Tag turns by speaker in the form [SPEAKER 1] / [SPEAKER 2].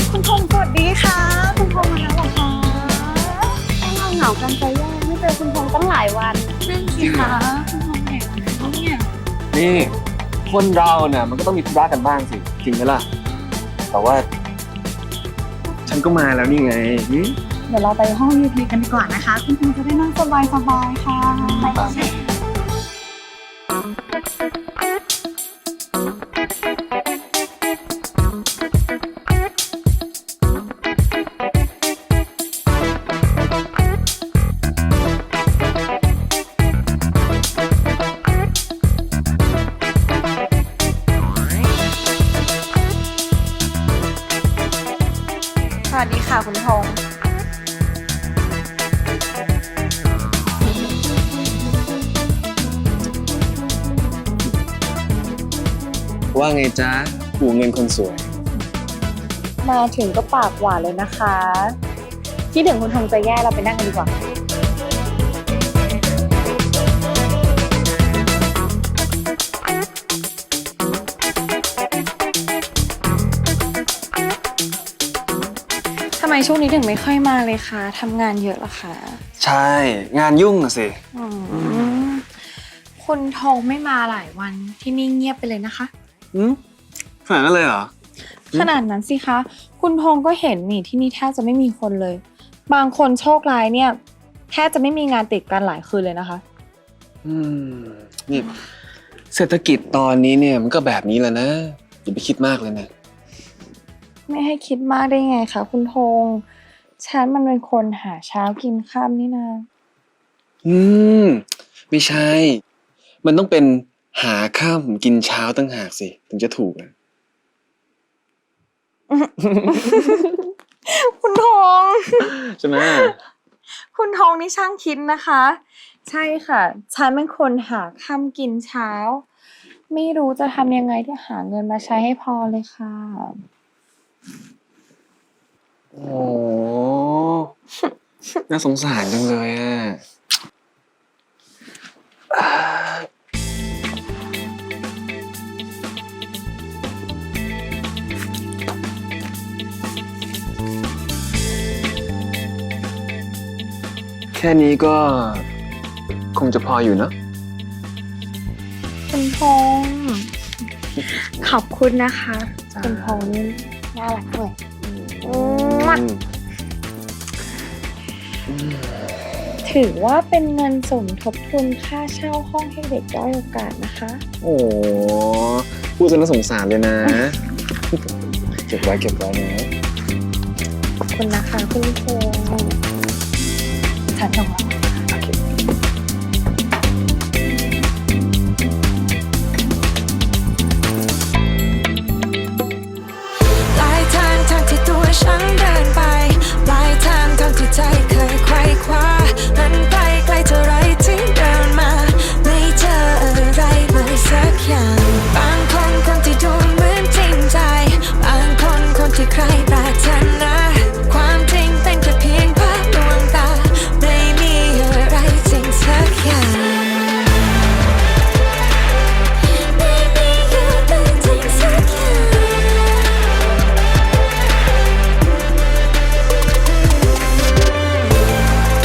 [SPEAKER 1] คุณพงศ์สวัสดีค่ะคุณพงศ์มาแล้วเหรอคะเราเหงากันใจแย่ไม่เจอคุณพงศ์ตั้งหลายวันนั่นสิคะคุณพงศ์ไหนวันนี้เนี่ย
[SPEAKER 2] นี่คนเราเนี่ยมันก็ต้องมีธุระกันบ้างสิจริงไหมล่ะแต่ว่า ฉันก็มาแล้วนี่ไง
[SPEAKER 1] เดี๋ยวเราไปห้อง VIP กันดีกว่านะคะคุณพงศ์จะได้นั่งสบายๆค่ะไปค่ะสวัสดีค่ะคุณพงศ์
[SPEAKER 2] ว่าไงจ๊ะหูเงินคนสวย
[SPEAKER 1] มาถึงก็ปากหวานเลยนะคะคิดถึงคุณพงศ์จะแย่เราไปนั่งกันดีกว่าทำไมช่วงนี้ถึงไม่ค่อยมาเลยคะทำงานเยอะเหรอคะ
[SPEAKER 2] ใช่งานยุ่งอะสิ
[SPEAKER 1] คุณทองไม่มาหลายวันที่นี่เงียบไปเลยนะคะ
[SPEAKER 2] ขนาดนั้นเลยเหรอ
[SPEAKER 1] ขนาดนั้นสิคะคุณทองก็เห็นนี่ที่นี่แทบจะไม่มีคนเลยบางคนโชคร้ายเนี่ยแทบจะไม่มีงานติดกันหลายคืนเลยนะคะ
[SPEAKER 2] นี่เศรษฐกิจตอนนี้เนี่ยมันก็แบบนี้แหละนะอย่าไปคิดมากเลยนะ
[SPEAKER 1] ไม่ให้คิดมากได้ไงคะคุณทงฉันมันเป็นคนหาเช้ากินค่ำนี่นะ
[SPEAKER 2] ไม่ใช่มันต้องเป็นหาค่ำกินเช้าตั้งหากสิถึงจะถูกนะ
[SPEAKER 1] คุณทง
[SPEAKER 2] ใช่ไหม
[SPEAKER 1] คุณทงนี่ช่างคิดนะคะใช่ค่ะฉันเป็นคนหาค่ำกินเช้าไม่รู้จะทำยังไงที่หาเงินมาใช้ให้พอเลยค่ะ
[SPEAKER 2] โอ้น่าสงสารจังเลยอ่ะแค่นี้ก็คงจะพออยู่เนอะ
[SPEAKER 1] คุณพงษ์ขอบคุณนะคะคุณพงษ์นี่น่ารักเลยถือว่าเป็นเงินสมทบทุนค่าเช่าห้องให้เด็กด้อยโอกาสนะคะ
[SPEAKER 2] โอ้พูดจนน่าสงสารเลยนะเก็บไว้นะ
[SPEAKER 1] ขอบคุณนะคะคุณพงษ์ฉันส่งแล้ว